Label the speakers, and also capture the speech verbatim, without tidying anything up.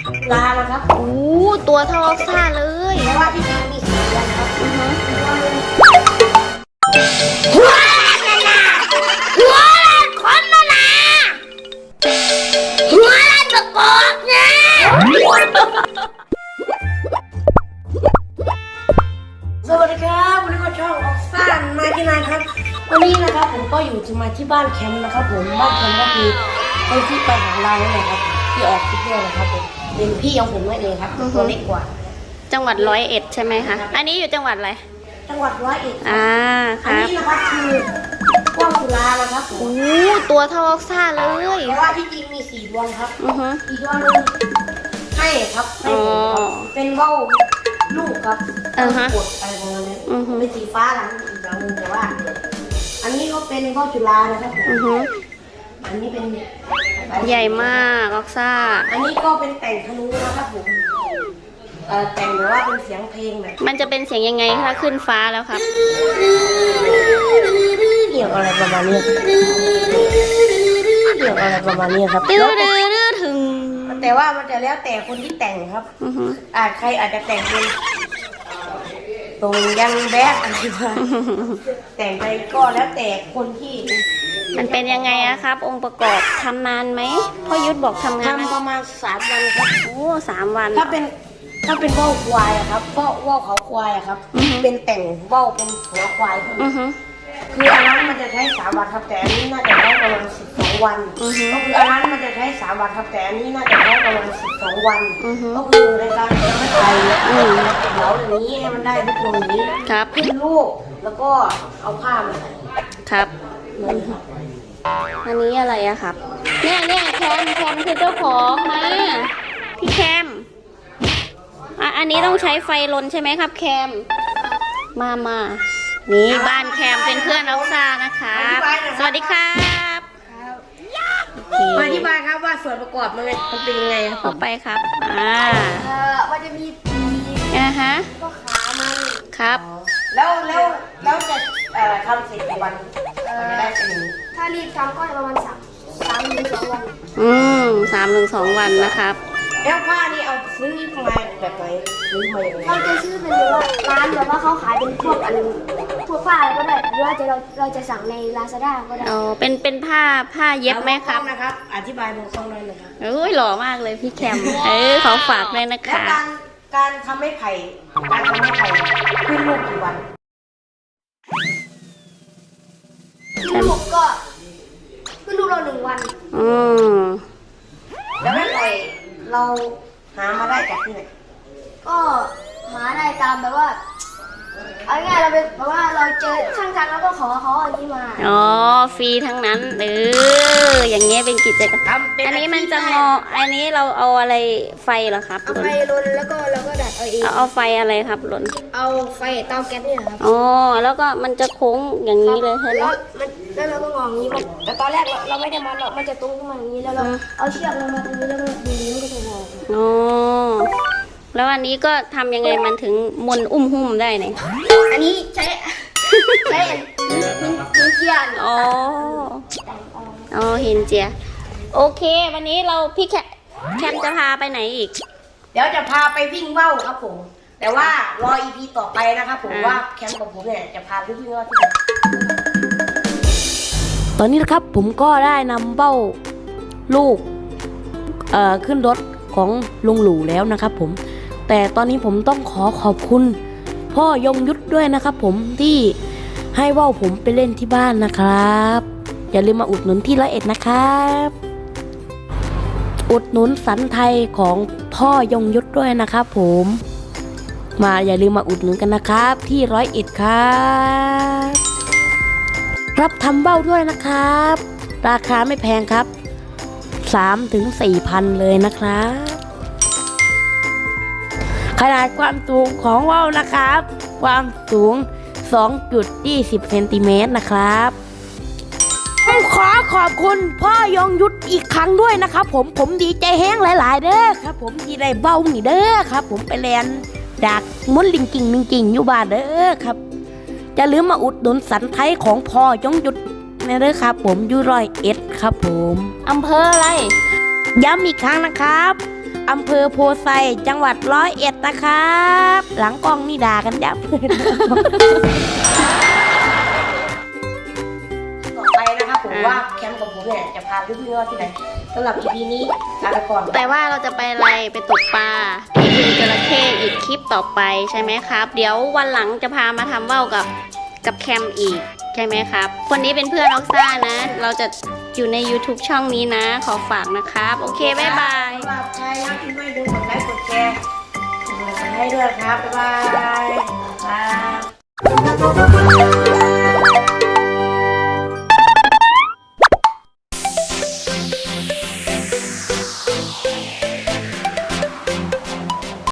Speaker 1: ลานะครับ
Speaker 2: โอ้ตัวเท่าออกซ่าเลย
Speaker 1: เพราะว่าที่จริงมีสีเดือนครับ
Speaker 2: อือฮึ
Speaker 1: หัวละนาหัวละคนละนาหัวละตะกอกนะสวัสดีครับวันนี้ก็ช่องออกซ่านมาที่นายครับวันนี้นะครับผมก็อยู่จะมาที่บ้านแคมป์นะครับผมบ้านแคมป์ก็คือคนที่ไปหาเราเนี่ยครับที่ออกคลิปด้วยนะครับผมเป็นพี่ของผมนั่นเองครับตัวเล็กกว่า
Speaker 2: จังหวัดร้อยเอ็ดใช่ไหมคะอันนี้อยู่จังหวัดอะไร
Speaker 1: จังหวัดร้อยเอ็ด
Speaker 2: อ่า
Speaker 1: อันนี้นะครับคือว่าวจุฬานะครับ
Speaker 2: โอ้ตัวเท่าออกซ่าเลย
Speaker 1: เพราะว่าที่จริงมีสี่ดวงครับ
Speaker 2: อือฮึ
Speaker 1: อีกดวงนึงให้ครับให้ผมครับเป็นว่าวลูกครับกดอะไรประมาณนี้เป็นสีฟ้าหลังอีกดวงนึงแต่ว่าอันนี้ก็เป็นว่าวจุฬานะครับผมอันนี้เป็น
Speaker 2: ใหญ่มากออกซ่า
Speaker 1: อันนี้ก็เป็นแต่งธนูนะครับผมเอ่อแต่งหรือว่าเป็นเสียงเพลงแบบ
Speaker 2: มันจะเป็นเสียงยังไงถ้าขึ้นฟ้าแล้วครับ
Speaker 1: เกี่ยวอะไรประมาณนี้เกี่ยวอะไรประมาณนี้ครับ
Speaker 2: ตื้อดื้อดื้อถึง
Speaker 1: แต่ว่ามันจะแล้วแต่คนที่แต่งครับอาจใครอาจจะแต่งเป็นตรงยังแบดอะไรมาแต่งไปก็แล้วแต่คนที่
Speaker 2: มันเป็นยังไงอะครับองค์ประกอบทำนานไหมพ่อยุทธบอกทำงาน
Speaker 1: ทำประมาณสามวันครับ
Speaker 2: โอ้สามวัน
Speaker 1: ถ้าเป็นถ้าเป็นว่าวควายอะครับก็ว่าวเขาควายอะครับเป็นแต่งว่าวเป็นหัวควายคืออันนั้นมันจะใช้สามวันครับแต่อันนี้น่าจะใช้ประมาณสิบสองวันก็คืออันนั้นมันจะใช้สามวันครับแต่อันนี้น่าจะใช้ประมาณสิบสองวันก็คือในการทำให้ไทยเหลาอย่างนี้ให้มันได้ทุกตรงนี้ขึ้นลูกแล้วก็เอาผ้ามาใส่
Speaker 2: ครับอันนี้อะไรอะครับเนี่ยเนี่ยแคมแคมคือเจ้าของมาพี่แคมอ่ะอันนี้ต้องใช้ไฟลนใช่ไหมครับแคมมามานี่บ้านแคมเป็นเพื่อนออกซ่านะคะสวัสดีครับ
Speaker 1: มาอธิบายครับว่าส่วนประกอบมันเป็นยังไงครับ
Speaker 2: ต่อไปครับอ่า
Speaker 1: เอ่อมันจะมีปีก
Speaker 2: นะฮะ
Speaker 1: ก็ขามัน
Speaker 2: ครับ
Speaker 1: แล้วแล้วแล้วจะเอ่อทำเสร็จกี่วันจะได้เป็นอย่างนี้
Speaker 3: ถ้ารีบทำก็ประมาณสามสามถึงสองวัน
Speaker 2: อืมสามถึงสองวันนะครับ
Speaker 1: แล้วผ้านี่เอาซื้อมาแบบไหนซื้อมาอย่างไร
Speaker 3: เราจะซื้อเป็นว่าร้านแบบว่าเขาขายเป็นพวกอันพวกผ้าอะไรก็ได้หรือว่าจะเราเราจะสั่งใน ลาซาด้า ก็ได้
Speaker 2: อ๋อเป็นเป็นผ้าผ้าเย็บไหมครับ
Speaker 1: นะครับอธิบายบอกต้องเลยนะครับ
Speaker 2: เอ้ยหล่อมากเลยพี่แคมเออขอฝากเลยนะคะ
Speaker 1: แล้วการการทำให้ไผ่การทำให้ไผ่ขึ้นลูกกี่วัน
Speaker 3: ขึ้นลูกก็ขึ้นลูกเราหนึ่งวัน
Speaker 2: อืม
Speaker 1: แล้วไม้ไผ่เราหามาได้จากที่ไหน
Speaker 3: ก็หาได้ตามแบบว่าเอาง่ายเราไปแบบว่าเราเจอช่างทำแล้วก็ขอเขาอันนี้มา
Speaker 2: อ๋อฟรีทั้งนั้นเอออย่างเงี้ยเป็นกิจกรรมอันนี้มันจะงออันนี้เราเอาอะไรไฟเหรอครับ
Speaker 3: เอาไฟลนแล้วก็เราก็ดัดเอาเอง
Speaker 2: เอาไฟอะไรครับลน
Speaker 3: เอาไฟเตาแก๊สเนี่ยครับ
Speaker 2: อ๋อแล้วก็มันจะโค้งอย่างนี้เลยใช่ไหม
Speaker 3: แล้วมันแล้วเราก็งออย่างนี้มันแต่ตอนแรกเราเราไม่ได้มันหรอกมันจะตรงขึ้นมาอย่างนี้แล้วเราเอาเชือกลงมาตรงนี้แล้วก็ดึงมันก็จะงอ
Speaker 2: อ๋อแล้วอันนี้ก็ทำยังไงมันถึงมนอุ้มหุ้มได้เนี่ย
Speaker 3: อันนี้ใช้ใช้หินเจียน
Speaker 2: อ๋ออ๋อหินเจียโอเควันนี้เราพี่แคแคมจะพาไปไหนอีก
Speaker 1: เดี๋ยวจะพาไปวิ่งว่าวครับผมแต่ว่ารอ อี พี ต่อไปนะครับผมว่าแคมกับผมเนี่ยจะพาไปวิ่งว่าวที่ไหนตอนนี้นะครับผมก็ได้นำเบ้าลูกเอ่อขึ้นรถของลุงหลู่แล้วนะครับผมแต่ตอนนี้ผมต้องขอขอบคุณพ่อยงยุทธด้วยนะครับผมที่ให้ว่าวผมไปเล่นที่บ้านนะครับอย่าลืมมาอุดหนุนที่ร้อยเอ็ดนะครับอุดหนุนสันไทยของพ่อยงยุทธด้วยนะครับผมมาอย่าลืมมาอุดหนุนกันนะครับที่ร้อยเอ็ดครับรับทำเบ้าด้วยนะครับราคาไม่แพงครับสามถึงสี่พันเลยนะครับขนาดความสูงของว่าวนะครับความสูง สองจุดยี่สิบ เซนติเมตรนะครับผมขอขอบคุณพ่อยงยุทธอีกครั้งด้วยนะครับผมผมดีใจแห้งหลายๆเด้อครับผมที่ได้เบ้านี่เด้อครับผมไปเรียนดักมุนลิงกิ่งลิงกิ่งอยู่บ้านเด้อครับอย่าลืมมาอุดหนุนสันไทยของพ่อยงยุทธนะเด้อครับผมอยู่ร้อยเอ็ดครับผม
Speaker 2: อำเภออะไร
Speaker 1: ย้ำอีกครั้งนะครับอำเภอโพไซจังหวัดร้อยเอ็ดนะครับ หลังกล้องนี่ด่ากันยับ
Speaker 4: ต่อไปนะครับผมว่าแคมป์กับผมเนี่ยจะพาเพื่อนๆที่ไหนสำหรับ อี พี นี้ลาไปก่อน
Speaker 2: แต่ว่าเราจะไปอะไรไปตกปลาที่บึงจระเข้อีกคลิปต่อไปใช่ไหมครับ เดี๋ยววันหลังจะพามาทำว่าวกับกับแคมอีกใช่ไหมครับ คนนี้เป็นเพื่อนออกซ่านะ เราจะอยู่ใน YouTube ช่องนี้นะ ขอฝากนะครับ โอเค บ๊ายบาย
Speaker 4: สำหรับใครนะที่ไม่ดูกดไลค์กดแชร์กดไลค์ให้ด้วยครับ บ๊ายบาย